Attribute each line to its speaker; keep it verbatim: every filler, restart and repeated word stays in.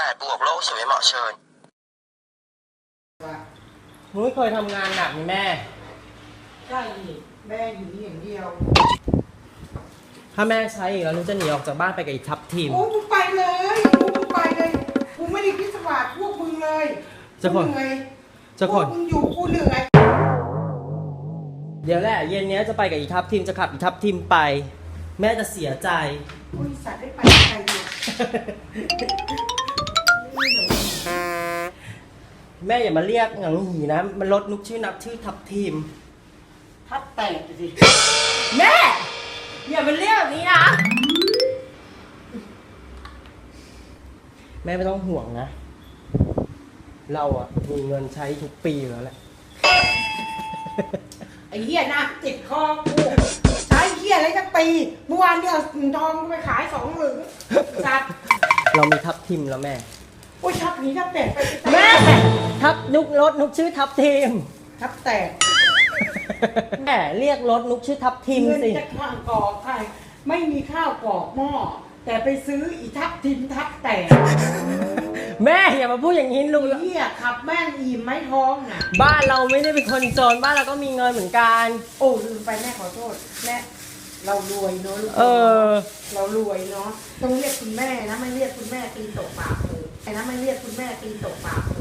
Speaker 1: ดบวกโลกสวยเหมาะเชิญ
Speaker 2: นุ้ยเคยทำงานหนักนี่แม่
Speaker 3: ใช่แม่อยู่นี่อย่างเดียว
Speaker 2: ถ้าแม่ใช้อีกแล้วนุ้ยจะหนีออกจากบ้านไปกับอีทัพทีม
Speaker 3: โอ้กูไปเลยกูไปเลยกูไม่ได้คิดสวัสดิ์พวกมึงเลย
Speaker 2: จะคนจะคน
Speaker 3: มึงอยู่กูเหนื่อย
Speaker 2: เดี๋ยวแหละเย็นนี้จะไปกับอีทัพทีมจะขับอีทัพทีมไปแม่จะเสียใจ
Speaker 3: บริษัทได้ไปใครเนี่ย
Speaker 2: แม่อย่ามาเรียกหงังหีนะมันลดนุกชื่อนับชื่อทัพทีม
Speaker 3: ทับแตกสิ
Speaker 2: แม่อย่ามาเรียกแบบนี้นะแม่ไม่ต้องห่วงนะเราอะมีเงินใช้ทุกปีอยู่แล้วแหละ
Speaker 3: ไอ้เหี้ยนะติดคอกูใช้เหี้ยอะไรทั้งปีเมื่อวานเนี่ยทองกูไปขายสองหมื่นจัด
Speaker 2: เรามีทัพทีมแล้วแม่
Speaker 3: โอ้ยทับนี้ทับแตกไป
Speaker 2: แม่ทับนุกรถนุกชื่อทัพทีม
Speaker 3: ทับแตก
Speaker 2: แม่เรียกรถนุกชื่อทัพทีมสิ
Speaker 3: จะข้างกอกใครไม่มีข้าวกอกหม้อแต่ไปซื้ออีทับทิมทับแตก
Speaker 2: แม่อย่ามาพูดอย่างนี้ลุง
Speaker 3: เหี้ยขับแม่งอิ่มไม่ท้องน่ะ
Speaker 2: บ้านเราไม่ได้เป็นคนจนบ้านเราก็มีเงินเหมือนกัน
Speaker 3: โอ้ลืมไปแม่ขอโทษแม่เรารวยเนาะลูก
Speaker 2: เออ
Speaker 3: เรารวยเนาะต้องเรียกคุณแม่นะไม่เรียกคุณแม่ตีตกปากเลยไอ้นะไม่เรียกคุณแม่ตีตกปากเล